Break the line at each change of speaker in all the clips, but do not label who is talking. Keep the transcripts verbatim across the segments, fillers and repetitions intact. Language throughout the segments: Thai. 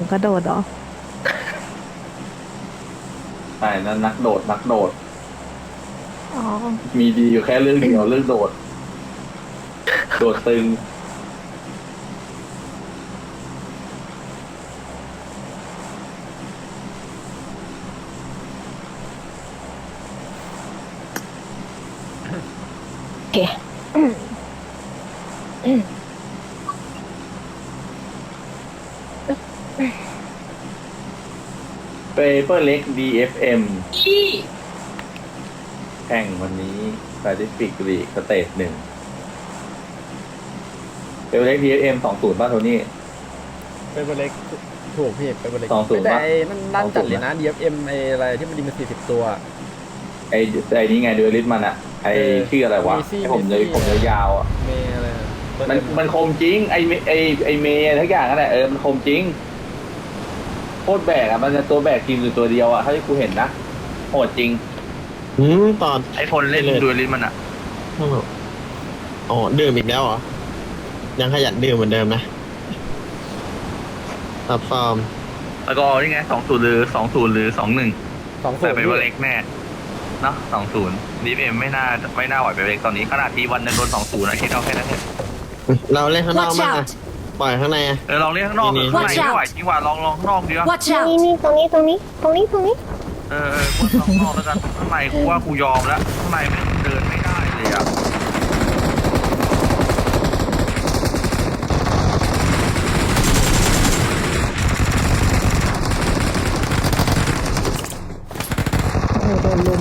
กระโดดเหรอ
ใช่นั่นนักโดดนักโดด
อ๋อ
มีดีอยู่แค่เรื่องเดียวเรื่องโดดโดดตึง
โอเคอืมอืม
เปเปอร์เล็ก ดี เอฟ เอ็ม แข่งวันนี้ Pacific League สเตจหนึ่งเปเปอร์เล็ก ดี เอฟ เอ็ม สองศูนย์ป่ะโทนี่
เป็นเบอร์เล็กถูกพี่เป็นเบอร์เล็ก
สองศูนย์
แต่
ป่ะ
ไอ้นั่นด้านจัดเลยนะ
สองศูนย์
ดี เอฟ เอ็ม ไอ้อะไรที่มันดีมาสี่สิบตัว
ไอ้ไอ้นี่ไงดูลิสมันอะไอ้
เออ
ชื่ออะไรวะ
เมซี่
ไอ้ผม
เม
เลย
ซี่
ผมเลยยาวอะ
เมย์อะไรนะเบอร์
มัน
เอ็
มันคมจริงไอ้เมไอ้ไอ้เมย์ทุกอย่างนั่นแหละเออมันคมจริงโคตรแบกอะมันจะตัวแบกทีมอยู่ตัวเดียวอะถ้าที่กูเห็นนะโหดจริง
อืมตอน
ไอ้พลเล่นดูลิสมันอะ
อ๋อดื่มอีกแล้วเหรอ ยังขยันดื่มเหมือนเดิมนะตับฟอร์ม
แล้วก็นี่ไงสองศูนย์หรือสองศูนย์หรือสองหนึ่ง
สองศู
แต่
นย์
เปเปอร์เล็กแน่เนาะสองศูนย์ดีเอ็มไม่น่าไม่น่าไหวเปเปอร์เล็กตอนนี้ขนาดทีวันจะโดนสองศูนย์นะคิดเอาแค่นั้นเอง
เราเล่นข้างนอก
Watch
มาก
out
ปล่อยข้างในอะ
เออลองเล่นข้างนอก
นี่
ข้างใน
Watch
ไม่
out
ไหวจริงว่ะลองลองข้างนอกดีวะ
Watch
นี่
out!
นี่ตรงนี้ตรงนี้ตรงนี้ตรงนี้
เออเออกูข้างนอกแล้วกันข้างในกูว่ากูยอมแล้วข้างในมันเดินไม่ได้เลยอ่ะ
โอ้โหโดนลุม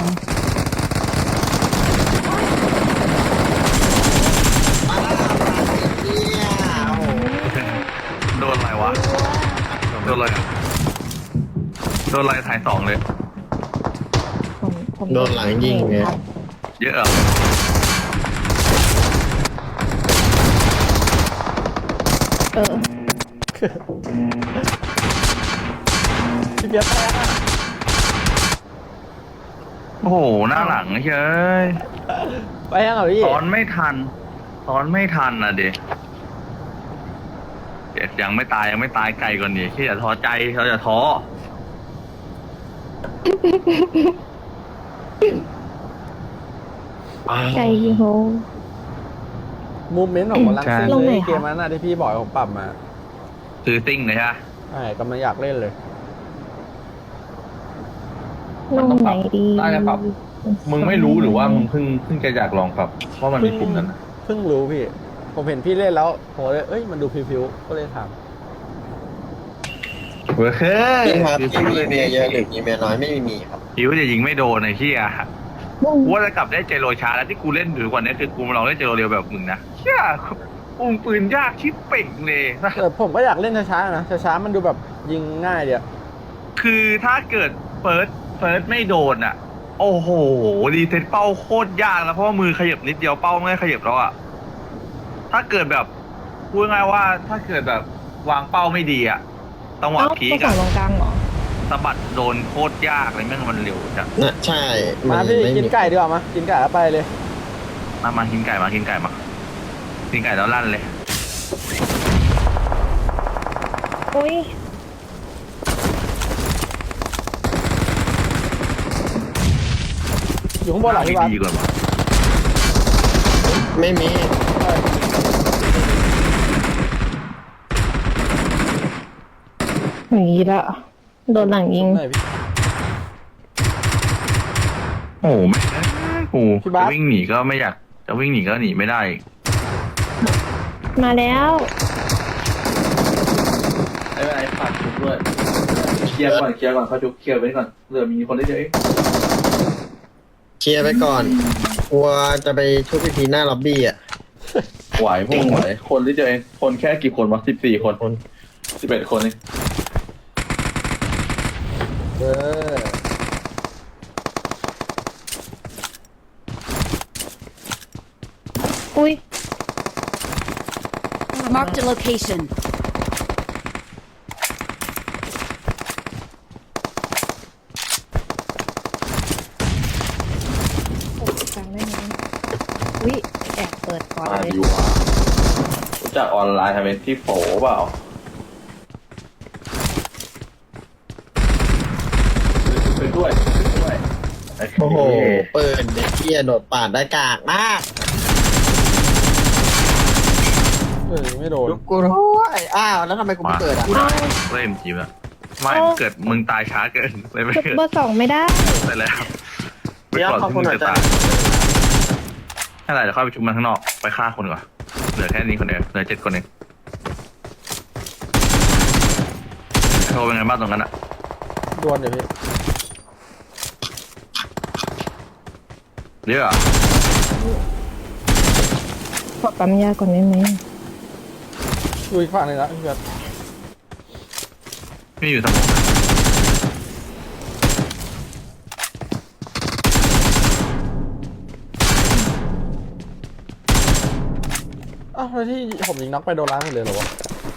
โดนอะไรวะโดนอะไรอะโดนอะไรถ่ายสองเลย
ผมผม
โดนหลังยิงไง
ครับ
เยอะเหรอ
เออ
พี่เบียร์แพ้อะ
โอ้โหหน้าหลังเฉย
ไปยังเหรอพี่
ตอนไม่ทันตอนไม่ทันอ่ะเด็กยังไม่ตายยังไม่ตายไกลก่อนดิที่อย่าท้อใจเราอย่าท้อ
ใจโห
มูเมนต์ของบอลลังซิ่ง
ลงไห
เล
น
ย
คะ
เกมนั้นน่ะที่พี่บอกให้ผมปรับมา
คือซิ่งเลยใช่ไหม
ใช่กำลังอยากเล่นเลย
ลงไหนดี
น่าจะปรับ มึงไม่รู้หรือว่ามึงเพิ่งเพิ่งจะอยากลองปรับเพราะมันมีปุ่มนั้น
เพิ่งรู้พี่ ผมเห็นพี่เล่นแล้วผมเลยเอ้ยมันดูพิวๆก็เลยถาม
เว้ย
พี่ครับพี่มีเมียเยอะหรือมีเมียน้อยไม่มีครับ
คิวจะยิงไม่โดนไอ้เหี้ยกูว่าจะกลับได้เจโรช้าแล้วที่กูเล่นถือกว่านี้คือกูมาลองเล่นเจโรเร็วแบบมึงนะเชี่ยอุ้งปืนยากชิบเป่งเลยนะ
แต่ผมก็อยากเล่นช้าๆนะช้าๆมันดูแบบยิงง่ายเดียว
คือถ้าเกิดเฟิร์สเฟิร์สไม่โดนอ่ะ โอ้โหรีเซ็ตเป้าโคตรยากแล้วเพราะว่ามือขยับนิดเดียวเป้าไม่ขยับแล้วอ่ะถ้าเกิดแบบพูดง่ายว่าถ้าเกิดแบบวางเป้าไม่ดีอ่ะต้องวาง
เอ้า
พี
ไป
ก
ส่
อะ
งตรงกลางเหรอ
สะบัดโดนโคตรยากเลยแม่งมันเร็วจัง
น่ะใช่
มาพี่
ไม่
กิน
มี
ไก่ดีกว่ามากินไก่แล้วไปเลย
มามากินไก่มากินไก่มากินไก่แล้วลั่นเลย
อุ้ย
อยู่ข้างบนเหลังพี่บาส
ดีกว่าว่ะ
ไม่มี
อย่างนี้ละโดนหลังยิง
ไหนพี่
โอ้โหไม่โอ้โหจะวิ่งหนีก็ไม่อยากจะวิ่งหนีก็หนีไม่ได้
มาแล้ว
ไอ้ไอ้ฝากชุบด้วยเคลียร์ก่อนเคลียร์ก่อนเขาชุบเคลียร์ไว้ก่อนเหลือมีคนได้เยอะ
เคลียร์ไปก่อนกลัวจะไปชุบพีพีหน้าล็อบบี้อ่ะ
ไหวพวกไหวคนที่เจอเองคนแค่กี่คนวะสิบสี่คนคนสิบเอ็ดคนเอง
เออ
อุ้ย
Marked a location.
โอ้กลางได้ไหมอุ้ยแอบเปิดก่อน
มา
เลย
ดีวะรู้จักออนไลน์ทำเป็นที่โผเปล่าด้วยด้วย
โอ้โหเปิดเด็กเกียโดดปาดได้กากมาก
เฮ้ยไม่โดน
ยุกกูด้วยอ้าวแล้วทำไมกูไม่เกิดอ่ะ
กูได้เล่นจีบอะไม่เกิดมึงตายช้าเกินเลยไม่
จุด
เกิด
เบอร์สองไม่ได้
ไปแล้ว
เดี๋ยวขอบคุณหน่อยจ้ะ
ถ้าไหร่เดี๋ยวเข้าไปชุมมันข้างนอกไปฆ่าคนก่อนเหลือแค่นี้คนเดียวเหลือเจ็ดคนเองโทรเป็นไงบ้างตรงนั้นอะ
ดวลเดี๋ยวพี่
เยอะอะ
ขอปั๊มยาก่อนได้ไหม
ดูอีกฝั่งหนึ่งละพี่เบิร์ด
ไม่อยู่สมอง
อ้าวแล้วที่ผมยิงน็อกไปโดนล้างหมดเลยเหรอวะ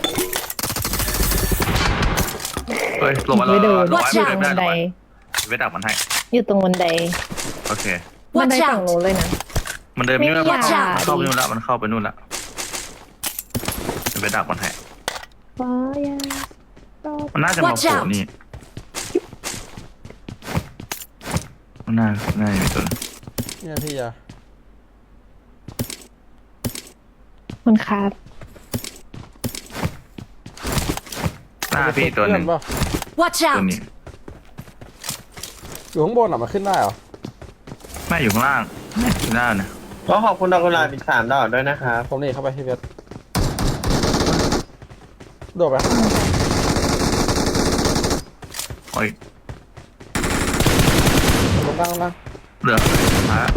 เฮ้ยลงมาแล้ว
ไม่โดน
ลงมา
อยู่
ไม่
ตรง
ได้
บันได
ไม่ดักมันให้
อยู่ตรงบันได
โอเค
บันไดฝั่งโน้นเลยนะ
มันเดินไม่ได้
ไม่
มัน
อยาก
เข้าไปนู่นละมันเข้าไปนู่นละไปดักมันให้
ฟ้ายาตอบ
มันน่าจะมาโผล่นี่มันน่าน่าจะมีตัวนึง
เนี่ยพี่อะ
มันคาด
หน้าพี่ตัวหนึ่ง
เพื่อเปล่า
Watch
ตัว
out!
นี้
อยู่ข้างบนอ่ะมันขึ้นได้เหรอ
แม่อยู่ข้างล่างอยู่หน้านะ
ก็ขอบคุณดอกกุหลาบอีกสามดอกด้วยนะครับ
ผมนี่เข้าไปพี่เบิร์ดโดดไป
โอ้ย
ลงล่างลงล่าง
เหลือฮะ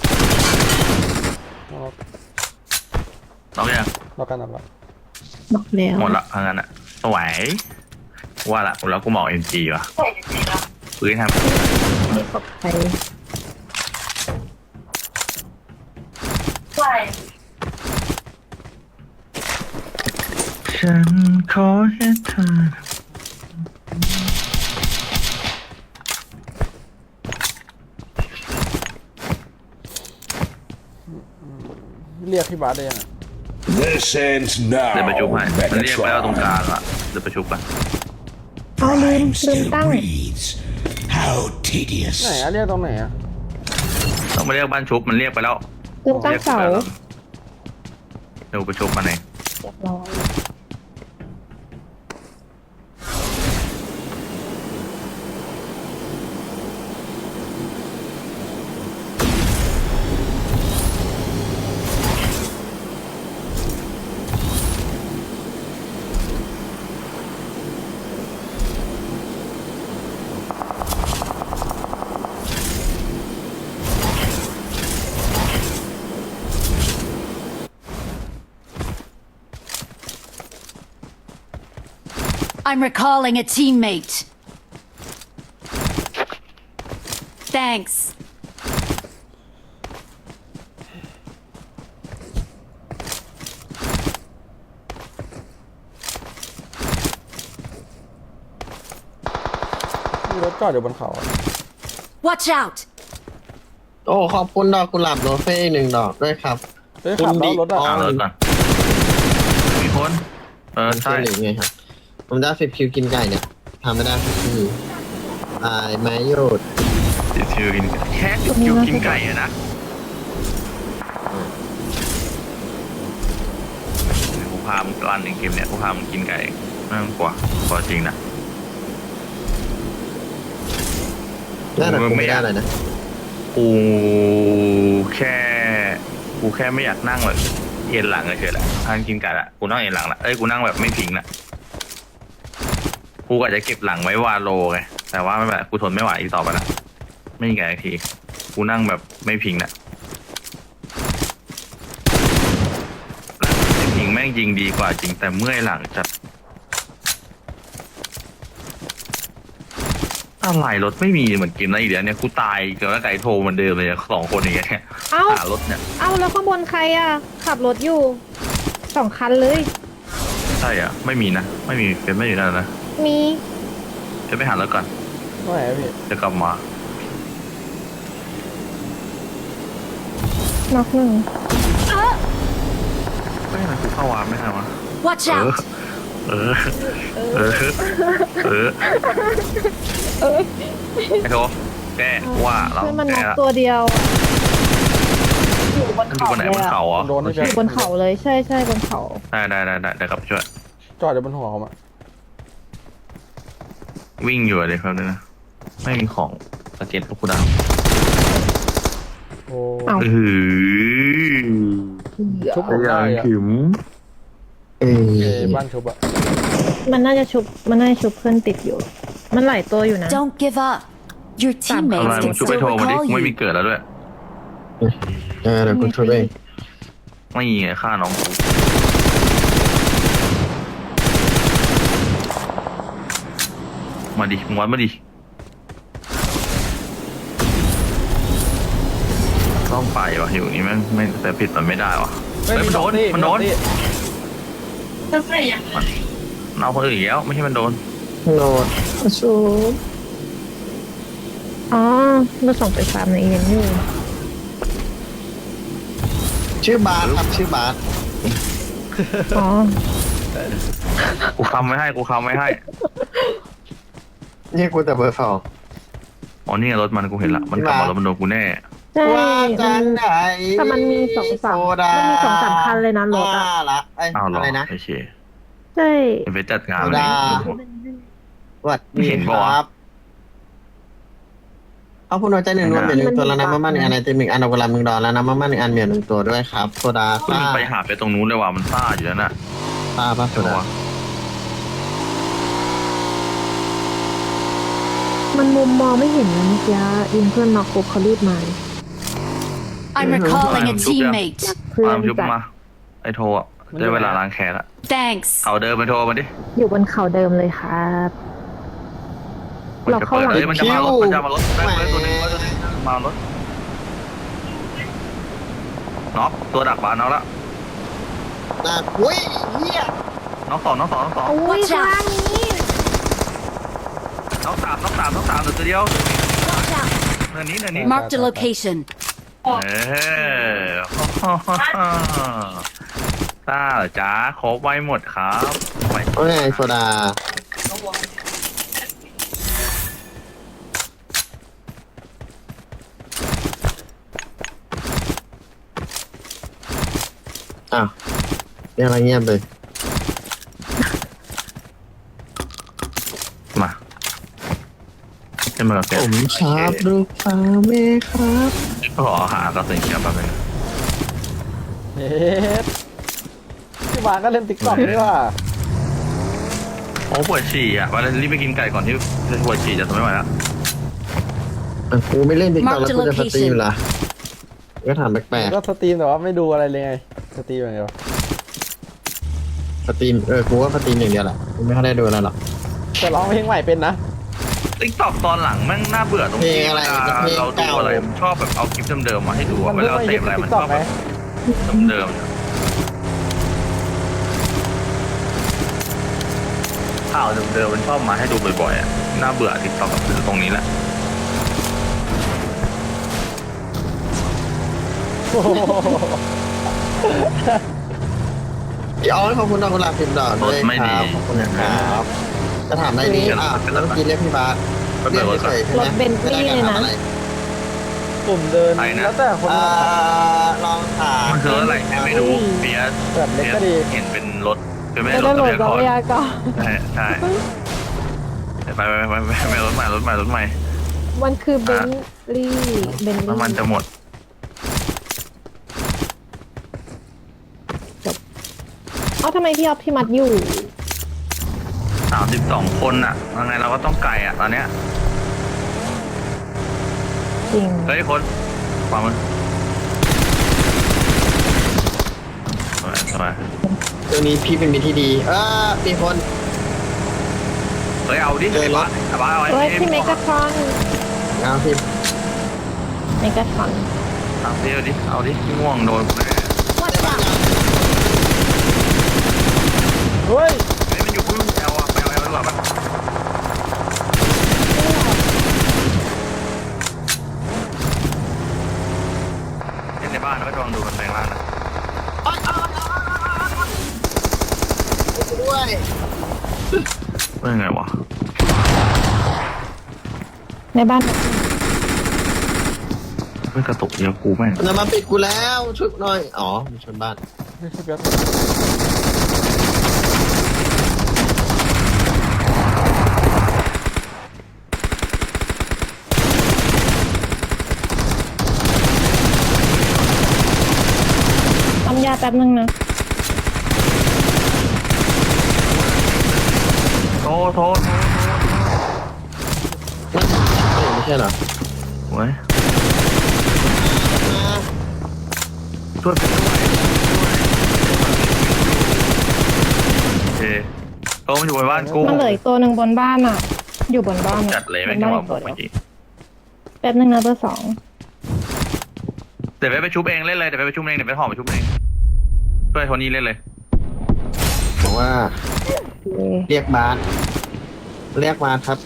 ลงล่าง
ต้องยัง
ล็อกกันล็อกกัน
บอกแล้ว
หมดละทางนั้นอะสวยว่าละแล้วกูเหมาเอ็มจีว่ะปืนทำ
ไม่ปลอดภัย
ฉันขอแค่เธอ
เรียกพี่บาสได้ยังอะ
This ends now,
เดี๋ยวประชุมให้มันเรียกไปเอาตรงกลาง
Megatron.
อะเดี๋ยวประชุมกัน
เอาลืม
Time
ลืม
still
ตั้ง
breathes. How tedious.
ไหนอะเรียกตรงไหนอะ
ต้องมาเรียกบ้านชุบมันเรียกไปแล้ว
ลืมตั้งเสา
รียกไปแล้วเดี๋ยวประชุมมาเอง
เรียบร้อย
I'm recalling a teammate. Thanks.
มีรถจอดอยู่บนเขาอะ
Watch out!
โอ้ขอบคุณดอกกุหลาบโรเฟ่หนึ่งดอกด้วยครับ
เฮ้ยขับแล้วรถอะ
คุณดิ
เอาเลยก่อนมีคนเออ
มัน
ใช่
ช่วยหรือไงครับผมได้ฟิบคิวกินไก่เนี่ยทำไม่ได้สักทีตายไหมโยด
ติดคิวกินแค่ติดคิวกินไก่อะนะกูพามึงตัวอันหนึ่งเกมเนี่ยกูพามึงกินไก่ไม่ต้องกลัวกลัวจริงนะ
น่าหนักกูไม่ได้เลยนะ
กูแค่กูแค่ไม่อยากนั่งแบบเอ็นหลังเฉยๆแหละทานกินไก่ละกูนั่งเอ็นหลังละเอ้ยกูนั่งแบบไม่พิงละกูอาจจะเก็บหลังไว้วาโลไงแต่ว่าไม่เป็นไรกูทนไม่ไหวอีกต่อไปละไม่มีไก่อีกทีกูนั่งแบบไม่พิงละหลังไม่พิงแม่งยิงดีกว่าจริงแต่เมื่อยหลังจัดอะไรรถไม่มีเหมือนกินนะอีเดียวเนี่ยกูตายเกี่ยวกับไก่โทรเหมันเดิมเลยอะสองคนอย่างเงี้ย
เอ้า
หารถเนี่ย
เอ้าแล้วข้างบนใครอ่ะ ขับรถอยู่สองคันเลย
ใช่อ่ะไม่มีนะไม่มีเป็นไม่อยู่นั่นนะ
มี
จะไปหารถก่อน
ตรงไหนอะพี่
จะกลับมา
น็อกหนึ่ง
ไม่ทำไมกูเข้าวาร์ปไม่ทันวะ
Watch
เออ
out!
เออเออเออ
เอ้ย
ไอ้โถแกว่าเรา
เพื่อนมัน
แก
น็อก
ละ
ตัวเดียวอะอยู่บน
มันอยู่
เขา
บนไหน
เล
บ
ย
น
อะ
เขาเหรอ
โดนนี่
อ
เพีย
ยู่บนเขาเลยใช่ใช่บนเขา
ได้ได้ได้ได้เดี๋ยวกลับไปช่วย
จอดอยู่บนหัวเขาอะ
วิ่งอยู่เลยครับเนี่ยนะไม่มีของสเก็ตลูกกูดาว
โอ้
เอ้า
เออ
ชุบผมได้อะ
ถึง
เอ้
เอ้
ย
บ้านชุบอะ
มันน่าจะชุบมันน่าจะชุบเพื่อนติดอยู่ มันหลายตัวอยู่นะ
Don't give up. Your
ทำไม
teammates
มึง
can
ช่วยไป
still
โทรมาดิ
recall
กูไม่มี
you.
เกิดแล้วด้วย
เออเดี๋ยวกูช่วยเอง
ไม่ไงฆ่าน้องกูมาดิมึงวัดมาดิต้องไปวะอยู่นี่แม่งไม่แต่ผิดมันไม่ได้วะ
เฮ้ย
เฮ้ยมันโดน
มี
มันโดน
สองที่
มันเอาคนอื่นอีกแล้วไม่ใช่มันโดน
โนดชู
อ๋อเราส่งไปฟาร์มในอีเวนต์อยู่
ชื่อบาสครับชื่อบาส
อ๋อ
กูคำไม่ให้กูคำไม่ให้
นี่กูแต่เบอร์สอง
อ๋อนี่ไงรถมันกูเห็นละมันกลับมาแล้วมันโดนกูแน่
ใช่
ว่าจะ
มัน
ไหน
แต่มันมีสองสาม
โซดา
มันมีสองสามคันเลยนะรถอะ
ว่าละไอ้
อ้าวเหรอ
อะไรนะ
โอเค
ใช่
เดี๋ยวไปจัดงาน
โซ
เลย
ดา สวัสดี
เห็น
ค
ปะวะ
รับเอาผู้น้อยใจหนึ่งรวมเหรียญหนึ่งตัวแล้วนะมาม่าหนึ่งอันไอติมหนึ่งอันดอกกุหลาบหนึ่งดอกแล้วนะมาม่าหนึ่งอันเหรียญหนึ่งตัวด้วยครับโซดา
คุณ
ซ่า
ไปหาไปตรงนู้นเลยว่ะมันซ่าอยู่แล้วน่ะ
ซ่าป่ะโซ
ใช่ปะ
ดา
วะ
มันมุมมองไม่เห็นนะเมื่อกี้ยิงเพื่อนน็อกปุ๊บเขารีบมา
I'm recalling a teammate.
เพื่อ
ตาน มยุบ
จัด
มาไอโทรอ่ะได้เวลาล้างแค้นละ
Thanks.
เอาเดินไปโทรมาดิ
อยู่บนเขาเดิมเลยครับ
มัน
เรา
จะ
เข้า
เปิด
หลัง
เลยมันจะมารถมันจะมารถได้เลยตัวหนึงตัวหนึงมารถน็อกตัวดักบานน็อกละ
น่าอุ้ยเฮีย
น็อกสองน็อกสองน็อกสอง
โอ้ย
Watch
ข้าง
out.
นี้
น็อกสามน็อกสามน็อกสามเหลือตัวเดียว
Watch out.
เนินนี้เนินนี้
Marked a location.
เออต้าเหรอจ้าครบไว้หมดครับไว้
ว่าไงโซดาอ้าวเนี่ยอะไรเงียบเลย
มาขึ้นมากับแก
ผมชอบลูกสาวแม่ครับ
ขอหากระสุนเขียวแป๊บนึง
เฮ็ดพี่บานก็เล่นติ๊กต็อกนี่ว่า
โอ้ปวดฉี่อ่ะวันนี้รีบไปกินไก่ก่อนที่จะปวดฉี่จะทนไม่ไหวแล้ว
อ่ะกูไม่เล่นติ๊กต็อก
Mark
แล้ว
the
กูจะสตรีม
location
เหรอก็ถามแปลก
ก็สตรีมแต่ว่าไม่ดูอะไรเลยไงสตรีมอย่างเดียว
ๆสตรีมเออกูว่าสตรีมอย่างเดียวแหละกูไม่ค่อยได้ดูอะไรหรอก
แต่ร้องเพลงใหม่เป็นนะ
ติ๊กต็อกตอนหลังแม่งน่าเบื่อตรงที่
เพลงอะไร
เวลา
เพลง
เราดู
เก่า
อะไรมันชอบแบบเอาคลิปเดิมๆมาให้ดู
มั
อะ
น
เว
เพิ่ง
ลา
มา
เส
ฮิ
พ
ต
อะไร
ใน
มั
ติ๊
น
ก
ช
ต็
อ
อก
บ
ไหม
แบบเดิมๆเนี่ยข่าวเดิมๆมันชอบมาให้ดูบ่อยๆอ่ะน่าเบื่อติ๊กต็อกตรงนี้แหละ
โอ้โห
พี่ออสขอบคุณดอกกุหลาบสิบดอกด้วย
รถไม่
ค
ดี
รับขอบคุณนะครับจะถามอะไรดีอ่ะแล้วเมื่อกี้เรียกพี่บาส
ก็
เรี
เดิ
ยก
นรถ
เฉยๆใช่ไหม
รถเบนซ์
ไม่ได้
นี่
การ
เลยนะ
ทำอะไร
ผมเดิน
ไปนะ
แล้วแต่คน
เอ่
มา
อลองถาม
มันคืออะไรไม่รู้เปียส
แบบเล็ก
เปีย
ก็
ส
ดี
เห็นเป็นรถเป็นไม่
ไม่
ใช่ร
ได้
ถ
โหล
ทะ
ด
เบียน
ร
ก่อน
ถยาก่อน
ใช่ใช่ไปไปไปไปไปรถใหม่รถใหม่รถใหม่
มันคือเบนลี่เบนลี่
น้ำมันจะหมด
เอ้าทำไมพี่ออฟพี่มัดอยู่
สามสิบสองคนอ่ะยังไงเราก็ต้องไกลอ่ะตอนเนี้ย
จริง
เฮ้ยคนขวามือสวยสวย
เรื่องนี้พี่เป็นมิตรที่ดี เออมีคน
เฮ้ยเอาดิ
เจอรถ
ไอ้บ้าเอาไอ้
เฮ้ย
ไอ้
พี่เมกาทรอน
เอาพี่
เมกาทรอน
เอาดิเอาดิเอาดิพี่ม่วงโดนกูแน่
Watch out.
เฮ้ย
เฮ้ยมันอยู่พุ่งแอลอ่ะไปเอาแอลดีกว่าปะเล่นในบ้านแล้วก็ลองดูมันแปลงร่างนะ
ด้วย
ว่ายังไงวะ
ในบ้าน
เฮ้ยกระตุกเดียวกูแม่ง
มันจะมาปิดกูแล้วช่วยกูหน่อยอ๋อมันชนบ้าน
ไม่ใช่เปียก
ทำยาแป๊บนึงนะ
โทษโทษ
มันเออไม่ใช่เหรอ
โอ้ย
มา
ช่วยไปด้วยโอเคโต้มันอยู่บนบ้านกู
มันเหลืออีกตัวหนึ่งบนบ้านอ่ะ อยู่บนบ้านอะ
จัดเลย
บ
แม่ง
น
จั
บ้าง น
หวะ
อีก
ผ
ตัว
ม
เดี
เมื่
ยว
อกี้
แป๊บนึงนะเบอร์สอง
เดี๋ยวไปไปชุบเองเล่นเลยเดี๋ยวไปไปชุบเองเดี๋ยวไปห่อไปชุบเองช่วยโทนี่เล่นเลย
บอกว่า
โอเค
เรียกบาสเรียกบาสครับ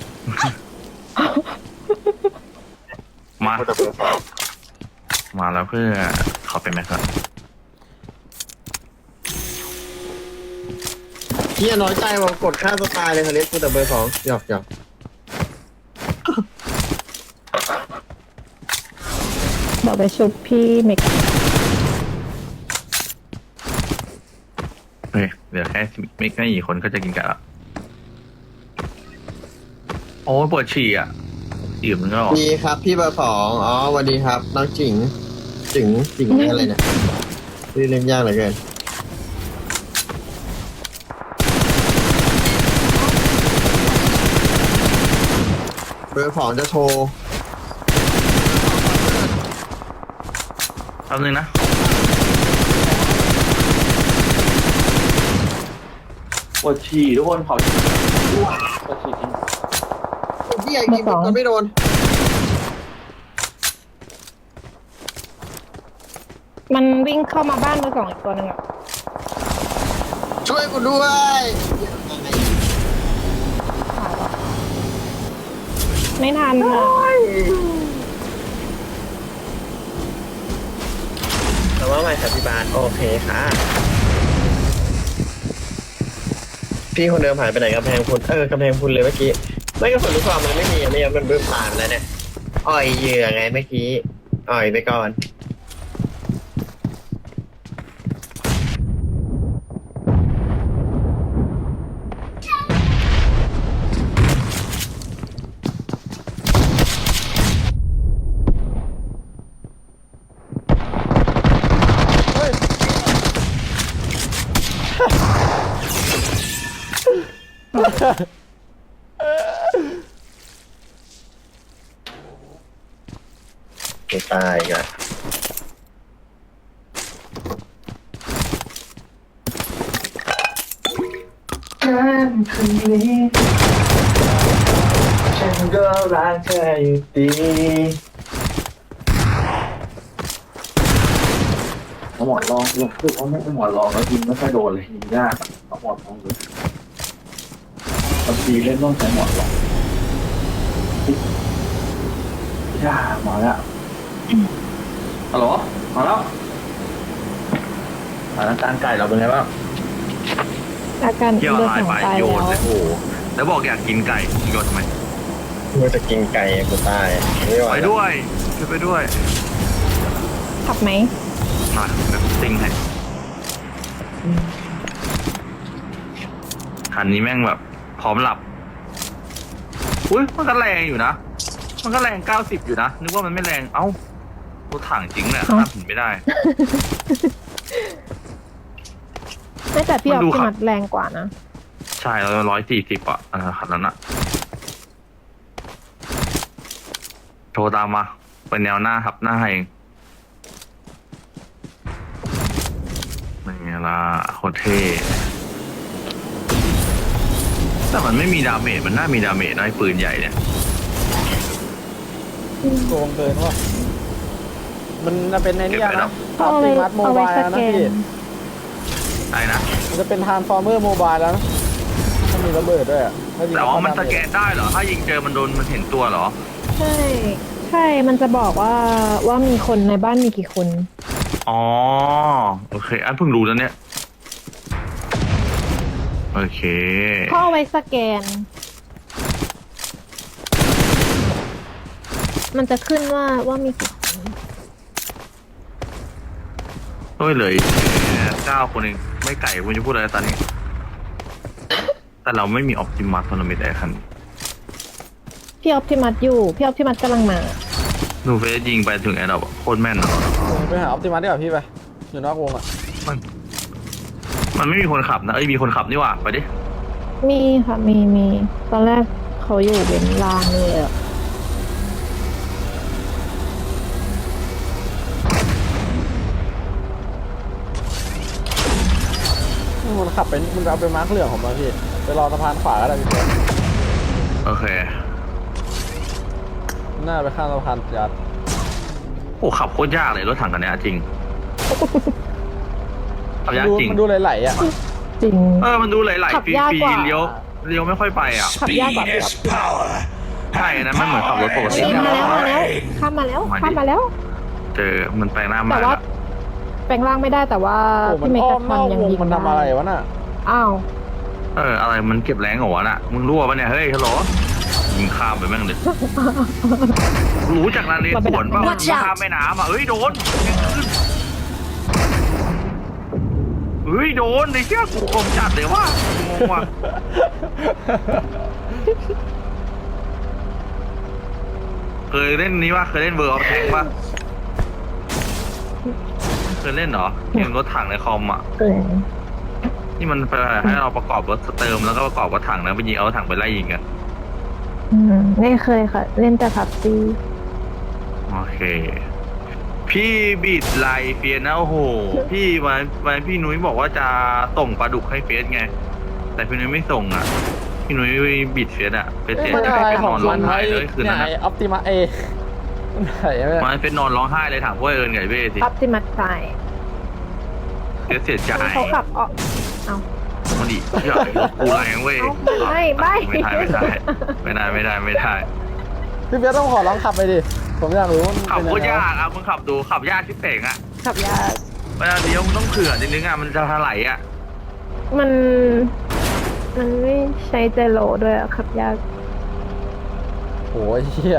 มา มาแล้วเพื่อขอเป็นแม็กซ์ก่อน
เฮียน้อยใจว่ากดค่าสไตล์เลยเขาเรียกกูแต่เบอร์สองหยอกหยอก
เดี๋ยวไปชุบพี่เมก
เฮ้ยเดี๋ยวแค่ไม่ไม่กี่คนก็จะกินกันละโอ้ยปวดฉี่อ่ะอิ่มแล้วเหรอ
ดีครับพี่เบอร์สองอ๋อสวัสดีครับน้องจิ๋งจิ๋งจิ๋งอะไรเนี่ยชื่อเล่นยากเหลือเกินเบอร์สองจะโชว์
แป๊บนึงนะปวดฉี่ทุกคนขอปวดฉี่จริง
พี่ใหญ่กินมันไม่โดน
มันวิ่งเข้ามาบ้านเบอร์สองอีกตัวหนึ่งอ่ะ
ช่วยกูด้วย
ไม่ทันอ่ะ
แต่ว่าไม่ครับพี่บาสโอเคค่ะพี่คนเดิมหายไปไหนกำแพงคุณเออกำแพงคุณเลยเมื่อกี้ไม่ก็ผลรู้ความมันไม่มีไม่งั้นมันบึ้มตามแล้วเนี่ยอ่อยเหยื่อไงเมื่อกี้อ่อยไปก่อนไม่ตายอีกันฉันก็รักเธออยู่ดีหมอนรองลงคือเขาไม่หมอนรองแล้วยิงไม่ค่อยโดนเลยยิงยากเอาหมอนรองเลยบางทีเล่นต้องใช้หมอนรองยากมาแล้วฮัลโหลมาแล้วสถานการณ์ไก่เราเป็นไงบ้าง
อาการ
เที่ยว
เบอร์
ลาย
สอง
ไป
ตาย
โย
แล้
น
ว
เลยโอ้โหแล้วบอกอยากกินไก่โยนทำไม
ว่าจะกินไก่กูตายไม่ไหว
ไป
แล้ว
ด้วยช่วยไปด้วย
ขับไหม
มาแบบซิงให้คันนี้แม่งแบบพร้อมหลับอุ้ยมันก็แรงอยู่นะมันก็แรงเก้าสิบอยู่นะนึกว่ามันไม่แรงเอ้ารถถังจริงแหละข้ามผิดไม่ได้
ไม่แต่พี่ออฟ
มันดู
พี่
ขับ
มัดแรงกว่านะ
ใช่แล้วร้อยสี่สิบอ่ะอ่าคันนั้นอะโทรตามมาเป็นแนวหน้าครับหน้าให้เองเป็นไงล่ะโคตรเท่แต่มันไม่มีดาเมจมันน่ามีดาเมจนะไอ้ปืนใหญ่เนี่ย
โกงเกินว่ะมันจะเป็นในนี้
เก็บไว้
นะ
ดอก
อั
เอา
ล
ไว้
ติมัตโม
เอาไว้
บาย
ส
แล้ว
แก
นะพี่
น
ไอ้นะ
มันจะเป็นทรานส์ฟอร์เมอร์โมบายแล้วนะมันมีระเบิดด้วยอ่ะถ้ยิง
แต่ว่ามันส
เข้า
แกนได้เหรอ ถ้ายิงเจอมันโดนมันเห็นตัวเหรอ
ใช่ ใช่ มันจะบอกว่าว่ามีคนในบ้านมีกี่คน
อ๋อ โอเค อันเพิ่งรู้แล้วเนี่ย โอเค
เขาเอาไว้สแกนมันจะขึ้นว่าว่ามีกี่คน
โอ้ยเหลยเก้าคนเองไม่ไก่คุณจะพูดอะไรตอนนี้ แต่เราไม่มีออปติมัสโทรนาเมนต์ไอ้คัน
พี่ออปติมัสอยู่พี่ออปติมัสกำลังมา
หนูเฟสยิงไปถึงไอ้เราโคตรแม่นนะ
ไปหาออปติมัสดีกว่าพี่ไป อยู่นอกวงอ่ะ
มันมันไม่มีคนขับนะเอ้ยมีคนขับนี่หว่าไปดิ
มีค่ะมีมีตอนแรกเขาอยู่เบนลางเลยอะ
มันขับไปมันเอาไปมาร์คเหลืองของมันพี่ ไปรอสะพานขวาก็ได้พี่เพื่อน
โอเค
หน้าไปข้ามสะพานยัด
โอ้ขับโคตรยากเลยรถถังคันเนี้ยจริงขับยาก
ดู
จริง
มันดูไหลๆอ่ะ
จริง
เออมันดูไหล
ขับ
ๆฟรี
ยาก
ฟรี
กว่า
เลี้ยวเลี้ยวไม่ค่อยไปอ่ะ
ขับยากกว่า
Speed is power.
ใช่นะมันเหมือนขับรถปกติ
เฮ้ยมาแล้วมาแล้วข้ามมาแล้วข้ามมาแล้ว
เจอมันแปลงหน้า
แต่
มา
ว่าแปลงร่างไม่ได้แต่ว่า
โอ้มัน
พี่เม
อ้อก
าม
น
ทอ
อน ก
ยัง
วง
ยิง
มัน
ได้
ทำอะไรวะน่ะ
อ้าว
เอออะไรมันเก็บแรงเหรอวะน่ะมึงรั่วปะเนี่ยเฮ้ยฮัลโหลยิงข้ามไปแม่งเลยรู้จากนาเรศวรป่ะมันข้ามแม่น้ำอ่ะเอ้ยโดนเฮ้ยโดนไอ้เชี่ยกูคมจัดเลยว่างงว่ะเคยเล่นนี้ป่ะเคยเล่นเวอร์ออฟแทงป่ะเคยเล่นเหรอเกมรถถังในคอมอ่ะ
เกิน
ที่มันไปให้เราประกอบรถเติมแล้วก็ประกอบรถถังแล้วไปยิงเอารถถังไปไล่ยิงกัน
อืมไม่เคยค่ะ เล่นแต่พับซี
โอเค พี่บิดไลเฟียสนะโอ้โห พี่วันวันพี่นุ้ยบอกว่าจะส่งปลาดุกให้เฟสไง แต่พี่นุ้ยไม่ส่งอ่ะ พี่นุ้ยบิดเฟสอ่ะเฟส
เอ้
เสี
ย
ย
มัน
ใจ
อะไร
ไป
ข
น
อง
อนร้
มั
อง
น
ไห้
ไอ้
เลยคืน
เนี่ย
นั้น
ไอ้
อะ
ออปติมัสเอมันไหนไม่
วันเฟสนอนร้องไห้เลยถามพวกเอิญไงเบ้สิ
ออปติมัสใส่
เฟสเสียใจ
เขาขับออกเอา
มันดิใหญ่รถกูแรงเว้ย
เอาไม่ไม่
ไม่ได้ไม่ได้ไม่ได้ไม่ได้ไม่ได้
พี่เบียร์ต้องขอลองขับไปดิ ผมอยากรู้มัน
ขับ
เป็น
โค
ยังไง
ตรยากอ่ะมึงขับดูขับยากที่เป่งอ่ะ
ขับยาก
เวลาเลี้ยวมึงต้องเผื่อนิดนึงอ่ะมันจะถลายอ่ะ
มัน มันไม่ใช้เจโรด้วยอะขับยาก
โอ้ยเหี้ย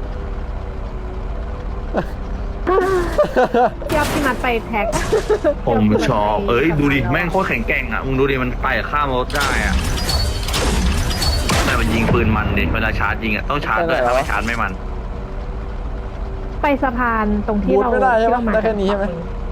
พี่ออปติมัสไปแท็ก
ผมชอบเอ้ยดูดิแม่งโคตรแข็งแกร่งอ่ะมึงดูดิมันไต่ข้ามรถได้อ่ะแต่มันยิงปืนมันดิเวลาชาร์จยิงอ่ะต้องชาร์จด้วยถ้าไม่ชาร์จไม่มัน
ไปสะพานตรงที่
บูท
เรา
ไม่ได้ใช่
ที่
ไหม
เรามา
ได้แค่นี้ใช่ไหม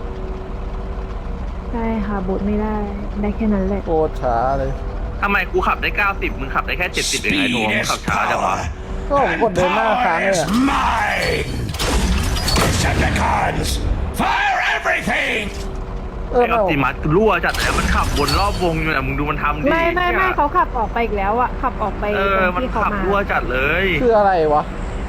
ใช่ค่ะบูทไม่ได้ ได้แค่นั้นแหละ
โคตรช้าเลย
ทำไมกูขับได้เก้าสิบมึงขับได้แค่เจ็ดสิบเองไอ้โท
Speed
มึง
is
ขับช้าจังวะ
power.
ก็ผมกดเดินหน้าค้างเลย
Power
อะ
is mine. Decepticons, fire everything.
เออ
ไอ้อ
ไม่
อปติมัสรั่วจัดเลยมันขับวนรอบวงอยู่นะมึงดูมันทำดิ
ไม่ไม่ไม่เขาขับออกไปอีกแล้วอะขับออกไป
เออ
ตรง
มัน
ที่เขา
ขับ
มา
รั่วจัดเลย
คืออะไรวะ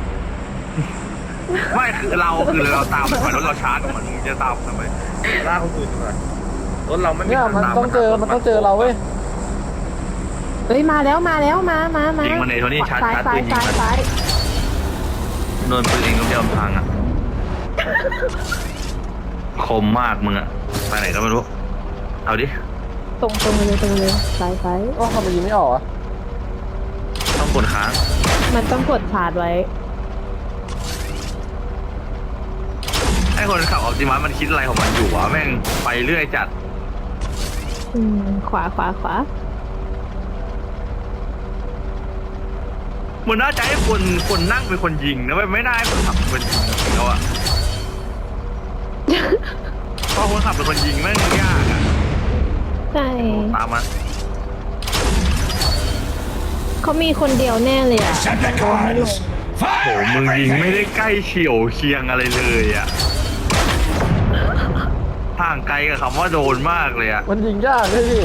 ไม่คือเราคือเราตามมันไปรถเราชาร์จมันมึงจะตามทำไมล่ากคนอื่นทำไมรถเราไม่มี
เนี่ย
ทาง
มัน
ตาม
ต้องเจอ มันต้องเจอเราเว้ย
เฮ้ยมาแล้วมาแล้วมามามา
ยิงมันในโทนี่ชาร์จ
ซ้าย
ชาร์จ
ซ้า
ปื
ย
นยิง
ซ้าย
มัน
ซ้าย
โดนปืนเองก็เดียวทางอ่ะ คมมากมึงอ่ะไปไหนก็ไม่รู้ เอาดิ
ตรงตรงเลยตรงเลยซ้ายซ้าย
ก็ทำไมยิงไม่ออกอะ
ต้องกดค้าง
มันต้องกดชาร์จไว้
ไอ้คนขับออปติมัสมันคิดอะไรของมันอยู่วะแม่งไปเรื่อยจัด
อืมขวาขวาขวา
มันน่าจะให้คนคนนั่งเป็นคนยิงนะเว้ยไม่น่าให้คนขับเป็นคนยิงจริงๆแล้วอ่ะ เพราะคนขับเป็นคนยิงแม่งยากอ่ะ
ใช่
ตามมา
เขามีคนเดียวแน่เลยอะ
Decepticons,
โห
fire
มึงยิงไม่
everything.
ได้ใกล้เฉียวเคียงอะไรเลยอ่ะห่างไกลกับคำว่าโดนมากเลยอ่ะ
มันยิงยากเลยพี่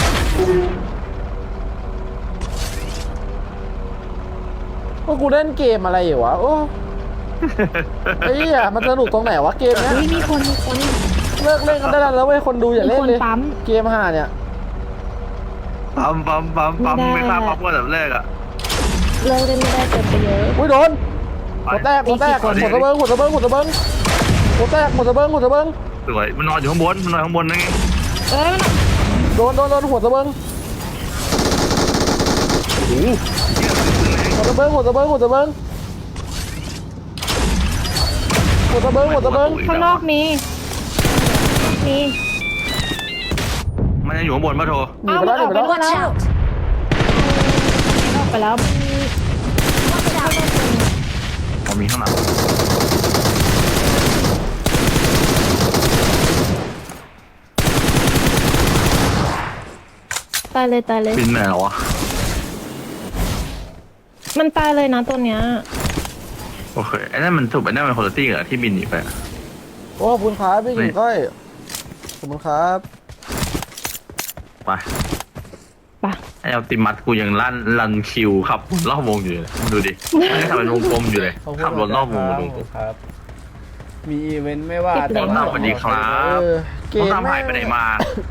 ว่ากูเล่นเกมอะไรอยู่วะ โอ้ไอ้เหี้ยมันสนุกตรงไหนวะเกมเนี้ย
เฮ้ยมีคนมีคน
เลิกเล่นกันได้แล้วเว้ยคนดูอย่าเล่นเลย
มีคนปั๊ม
เกมห่าเนี่ย
ปั๊มปั๊มปั๊มปั๊ม
ไม่
ไม่
ได้
ฆ่าปั๊มก็แบบแรกอ่ะ
เลิกเล่นไม่ได้เกินไปเยอะ
อุ้ยโดนหัวแตกหัวแตก
มีกี่คน
หัวตะเบิงหัวตะเบิงหัวตะเบิงหัวแตกหัวตะเบิงหัวตะเบิง
สวยมันนอนอยู่ข้างบนมันนอนข้างบนนั่นไง
เอ้ยมัน
โดนโดนโดนหัวตะเบิง
โอ้โหเหี้ยสุดแรง
หัวตะเบิงหัวตะเบิงหัวตะเบิงหมดตะเบิงหมดตะเบิง
ข้างนอกมีมี
มันยังอยู่ข้างบนปะโท
หนีไปแล้วหนีไปแล้ว
Watch out!
ออกไปแล้ว
Watch out!
ผมมีข้างหลัง
ตายเลยตายเลย
บินไหนเหรอวะ
มันตายเลยนะตัวเนี้ย
โอเคไอ้นั่นมันถูกไอ้นั่นมันคนละตี้เหรอที่บินหนีไปอะ
โอ้ขอบคุณครับพี่หญิงก้อยขอบคุณครับ
ไป
ไป
ไอ้เอาติมัดกูยังลั่นลันคิวขับรอบวงอยู่เลยดูดิไม่ได้ทำเป็นวงกลมอยู่เลย
ขอบคุณ
ขับรถรอบวง
ค
ว
รั
งกลม
ครับ มีอีเวนต์ไม่ว่า
ติดเหลือง
น้ำสวัสดีครับ
เออเก
น้อง
ม
ตามหายไปไหนมา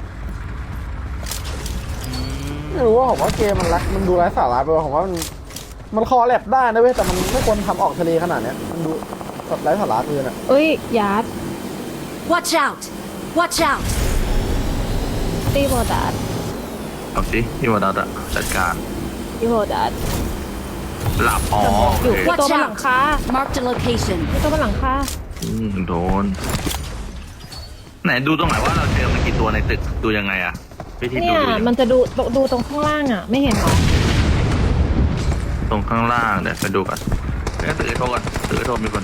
ไม่รู้ว่าผมว่าเกมมันรักมันดูไร้สาระไปว่าผมว่ามันมันคอแลบได้นะเว้ยแต่มันไม่ควรทำออกทะเลขนาดเนี้ยมันดูแบบไร้สาระเกินอ่ะ
เอ้ยยาร์ด
Watch out! Watch out!
ตีโบดัส
เอาสิพี่วดัตอะจัดการ
ตีโบดัส
หลับอ๋อโอ
อยู่
เค
มีตัวบนหลังคา
Marked a location.
มีตัวบนหลังคา
อืมโดนไหนดูตรงไหนว่าเราเจอมันกี่ตัวในตึกดูยังไงอะวิธีดู
เนี่ย
ดูยังไง
มันจะดูดูตรงข้างล่างอ่ะ ไม่เห็นเหรอ
ตรงข้างล่างเดี๋ยวไปดูกันเดี๋ยวตื่นโทรก่อนตื่นโทรมีคน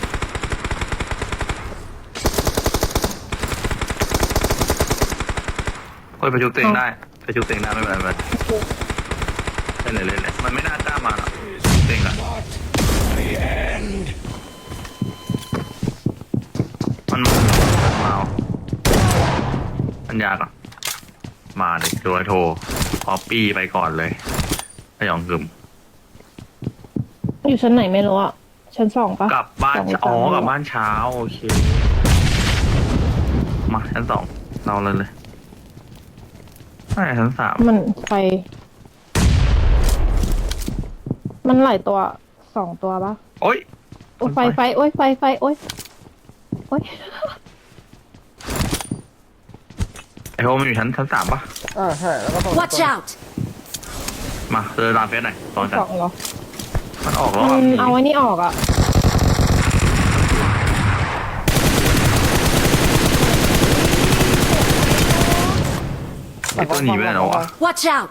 โอ้ยไปชุบเต็งได้ไปชุบเต็งได้ไม่เป็นไรไม่เป็นไรเล่นเลยเล่นเลยมันไม่น่ากล้ามาหรอกเต็งอะ
The end.
มันมามาเอามันยากอ่ะมาเลยโดยโทรพอปี้ไปก่อนเลยพยองกึม
อยู่ชั้นไหนไม่รู้อ่ะ ชั้นสองปะ
กลับบ้าน
สงหรื
อ๋อ
สม
กลับบ้านเช้าโอเค มาชั้นสองเราเลยเลยไม่ชั้นสาม
มันไฟ มันหลายตัวสองตัวปะ
โอ๊ย
โอ้ยไฟไฟโอ้ยไฟไฟโอ้ยโอ้ย
ไอโฮมันอยู่ชั้นชั้นสามปะ
อ่าใช่แล้วก็ต้อง
Watch out!
มาเจอรามเฟสหน่อยตอนจั
ส
น
องเหรอ
มันออกแล้ว
มั
อ่ะ
นเอาไว้นี่ออกอ่ะ
ไอตัวหนีไปไหนแล้ววะ
Watch out!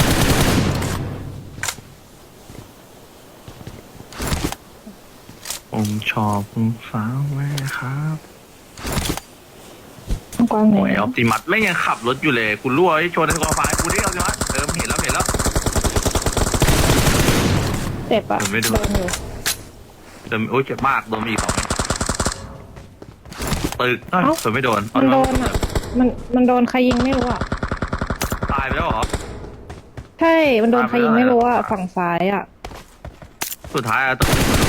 ผมชอบคุณสาวแม่ครับ
กว้างไหน
โอ้ยออปติมัสไม่งยังขับรถอยู่เลยกูรั่วไอ้ชนในกองไฟกูดิออปติมัสเออเห็นแล้วเห็นแล้ว
เจ็บอ่ะ
ผมไม่ดู
โดนอยู่
โดนโอ้ยเจ็บมากโดนมีอีกสองตึกเอ้ย
เอ้า
ผมไม่โดน
มันโดนอ่ะ มันมันโดนใครยิงไม่รู้อ่ะ
ตายไปแล้วเหรอ
ใช่ มันโดนใครยิงไม่รู้อ่ะ ฝั่งซ้ายอ่ะ
สุดท้ายอะต้อง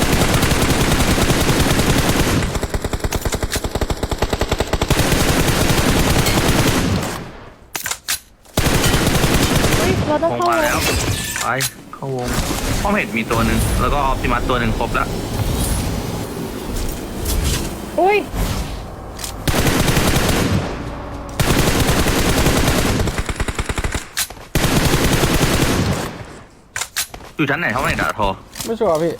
เฮ้ย เราต้อง
คง
เข้า
มา
เล
แล้วไปเข้าวงป้อมเห็ดมีตัวหนึ่งแล้วก็ออปติมัสตัวหนึ่งครบแล้ว
อุ้ย
อยู่ชั้นไหนเขาไม่ด่าทอ
ไม่ชัวร์พี่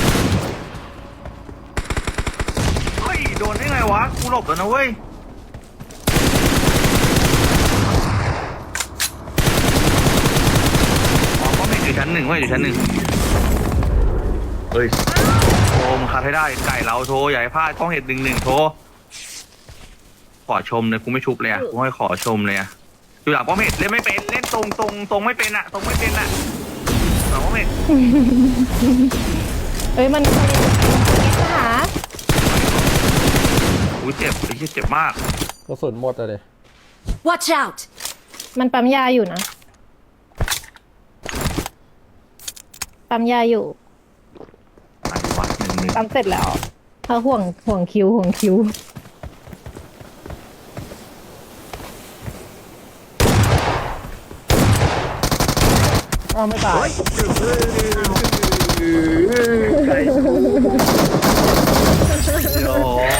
เฮ้ยโดนได้ไงวะกูหลบแล้วนะเว้ยอ๋อป้อมเห็ดอยู่ชั้นหนึ่งเว้ยอยู่ชั้นหนึ่งเฮ้ยโทรมงคัดให้ได้ไก่เราโทรอย่าให้พลาดป้อมเห็ดหนึ่งหนึ่งโทรขอชมเลยกูไม่ชุบเลยอ่ะกูให้ขอชมเลยอ่ะอยู่หลังป้อมเห็ดเล่นไม่เป็นเล่นตรงตรงตรงไม่เป็นอ่ะตรงไม่เป็นอ่ะหลังป้อมเห็ด
เอ้ย มันใครหา
อุ้ยเจ็บไอ้เหี้ยเจ็บมาก
กระสุนหมดเลย
Watch out!
มันปั๊มยาอยู่นะ ปั๊มยาอยู่
ไปวัดหนึ่งหนึ่ง
ปั๊มเสร็จแล้วเขาห่วงห่วงคิวห่วงคิว
อ้าวไม่ตาย
โอ้